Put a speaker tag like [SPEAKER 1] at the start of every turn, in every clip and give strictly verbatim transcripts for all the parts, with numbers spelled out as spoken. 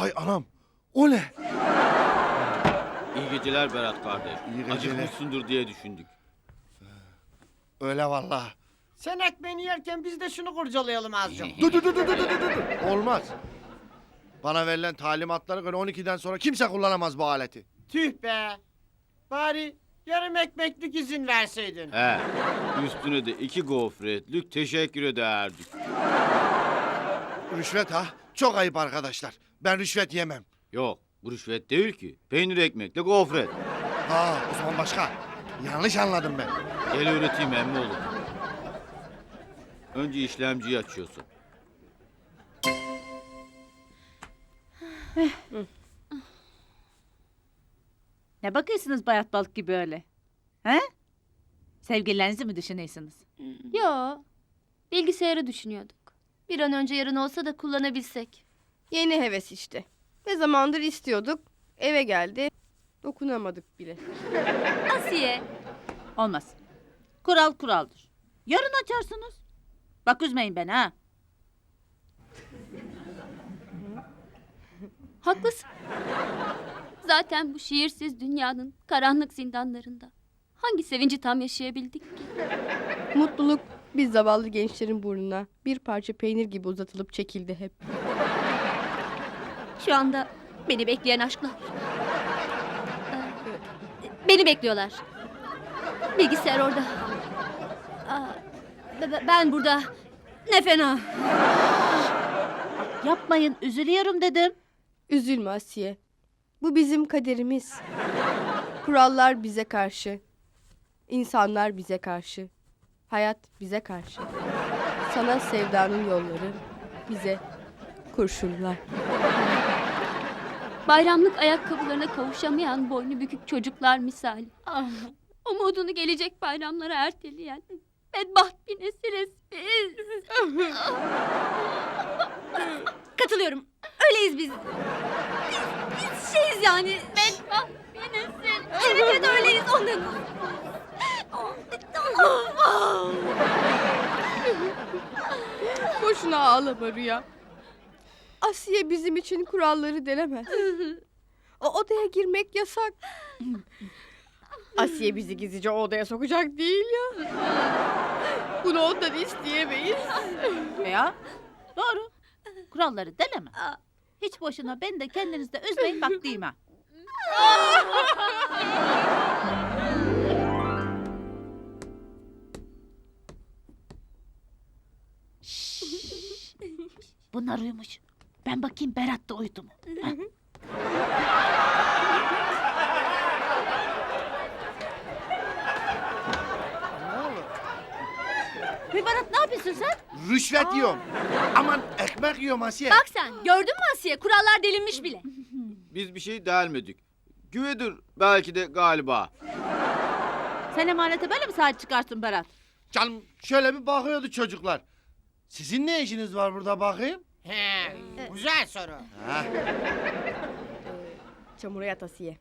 [SPEAKER 1] Vay anam. O ne?
[SPEAKER 2] İyi geceler Berat kardeş.
[SPEAKER 1] İyi geceler.
[SPEAKER 2] Acıkmışsındır diye düşündük.
[SPEAKER 1] Öyle vallahi.
[SPEAKER 3] Sen ekmeğini yerken biz de şunu kurcalayalım azıcık.
[SPEAKER 1] Dur dur dur dur dur dur dur. Olmaz. Bana verilen talimatlara göre on ikiden sonra kimse kullanamaz bu aleti.
[SPEAKER 3] Tüh be. Bari yarım ekmeklik izin verseydin.
[SPEAKER 2] He. Üstüne de iki gofretlik teşekkür ederdik.
[SPEAKER 1] Rüşvet ha? Çok ayıp arkadaşlar. Ben rüşvet yemem.
[SPEAKER 2] Yok, bu rüşvet değil ki. Peynir ekmekle gofret.
[SPEAKER 1] Ha, o zaman başka. Yanlış anladım ben.
[SPEAKER 2] Gel öğreteyim emmi oğlum. Önce işlemciyi açıyorsun.
[SPEAKER 4] Ne bakıyorsunuz bayat balık gibi öyle? He? Sevgililerinizi mi düşünüyorsunuz?
[SPEAKER 5] Yo. Bilgisayarı düşünüyorduk. Bir an önce yarın olsa da kullanabilsek.
[SPEAKER 6] Yeni heves işte. Ne zamandır istiyorduk. Eve geldi. Dokunamadık bile.
[SPEAKER 5] Asiye.
[SPEAKER 4] Olmaz. Kural kuraldır. Yarın açarsınız. Bak üzmeyin beni ha.
[SPEAKER 5] Haklısın. Zaten bu şiirsiz dünyanın karanlık zindanlarında hangi sevinci tam yaşayabildik ki?
[SPEAKER 6] Mutluluk biz zavallı gençlerin burnuna bir parça peynir gibi uzatılıp çekildi hep.
[SPEAKER 5] Şu anda beni bekleyen aşklar. Ee, Beni bekliyorlar. Bilgisayar orada. Aa, be- be- Ben burada. Ne fena.
[SPEAKER 4] Yapmayın üzülüyorum dedim.
[SPEAKER 6] Üzülme Asiye. Bu bizim kaderimiz. Kurallar bize karşı. İnsanlar bize karşı. Hayat bize karşı. Sana sevdanın yolları bize kurşunlar.
[SPEAKER 5] Bayramlık ayakkabılarına kavuşamayan boynu bükük çocuklar misali. Ah, umudunu gelecek bayramlara erteleyen bedbaht bir nesiliz biz. Katılıyorum. Öyleyiz biz. Biz, biz şeyiz yani. Bedbaht bir nesil. Evet evet öyleyiz ondan.
[SPEAKER 6] Boşuna ağlama Rüya. Asiye bizim için kuralları delemez. O odaya girmek yasak. Asiye bizi gizlice o odaya sokacak değil ya. Bunu ondan isteyemeyiz.
[SPEAKER 4] Ya doğru. Kuralları deleme. Hiç boşuna beni de kendiniz de üzmeyin bak diyeyim ha. Şşş. Bunlar uyumuş. Ben bakayım Berat da uyudu mu? Ha? Bir Berat ne yapıyorsun sen?
[SPEAKER 1] Rüşvet yiyorum. Aman ekmek yiyorum Asiye.
[SPEAKER 5] Bak sen gördün mü Asiye kurallar delinmiş bile.
[SPEAKER 2] Biz bir şey delmedik. Güvedir belki de galiba.
[SPEAKER 4] Sen emanete böyle mi sahip çıkarsın Berat?
[SPEAKER 1] Canım şöyle bir bakıyordu çocuklar. Sizin ne işiniz var burada bakayım?
[SPEAKER 3] He, güzel soru.
[SPEAKER 1] Ha.
[SPEAKER 6] Çamura yat Asiye.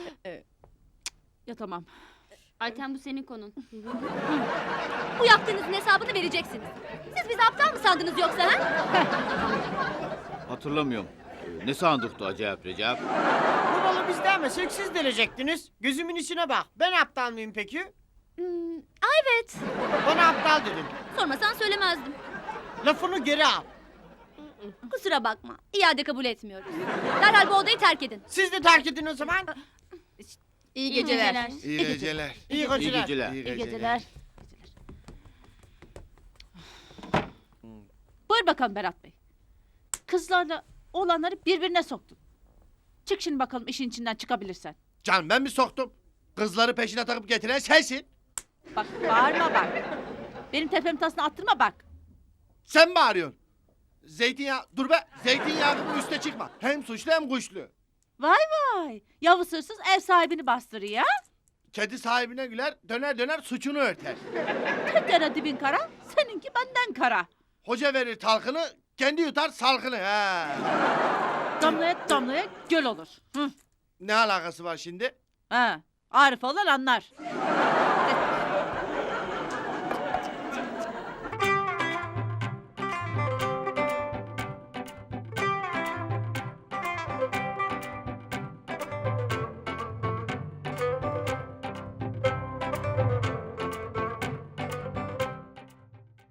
[SPEAKER 4] Ya tamam.
[SPEAKER 5] Ayten bu senin konun. Bu yaptığınızın hesabını vereceksiniz. Siz bizi aptal mı sandınız yoksa ha?
[SPEAKER 2] Hatırlamıyorum. Ee, Ne sandıktı acayip Recep?
[SPEAKER 3] Bu balı biz demesek siz delecektiniz. Gözümün içine bak. Ben aptal mıyım peki?
[SPEAKER 5] Hmm, ay evet.
[SPEAKER 3] Bana aptal dedin.
[SPEAKER 5] Sormasan söylemezdim.
[SPEAKER 3] Lafını geri al.
[SPEAKER 5] Kusura bakma. İade kabul etmiyoruz. Derhal bu odayı terk edin.
[SPEAKER 3] Siz de terk edin o zaman.
[SPEAKER 6] İyi
[SPEAKER 5] İyi
[SPEAKER 6] geceler.
[SPEAKER 5] geceler.
[SPEAKER 1] İyi geceler.
[SPEAKER 3] İyi
[SPEAKER 2] İyi
[SPEAKER 3] geceler.
[SPEAKER 2] geceler.
[SPEAKER 1] İyi
[SPEAKER 4] İyi geceler. Buyur bakalım Berat Bey. Kızlarla oğlanları birbirine soktun. Çık şimdi bakalım işin içinden çıkabilirsen.
[SPEAKER 1] Canım ben mi soktum? Kızları peşine takıp getiren sensin.
[SPEAKER 4] Bak bağırma bak. Benim tepemi tasına attırma bak.
[SPEAKER 1] Sen mi arıyorsun? Zeytinyağı, dur be. Zeytinyağı gibi üste çıkma. Hem suçlu hem kuşlu.
[SPEAKER 4] Vay vay. Yavuz hırsız ev sahibini bastırıyor ya.
[SPEAKER 1] Kedi sahibine güler, döner döner suçunu örter.
[SPEAKER 4] Tüttere dibin kara, seninki benden kara.
[SPEAKER 1] Hoca verir talkını, kendi yutar salkını. Ha.
[SPEAKER 4] Damlaya damlaya göl olur. Hı.
[SPEAKER 1] Ne alakası var şimdi?
[SPEAKER 4] Ha, Arif olan anlar.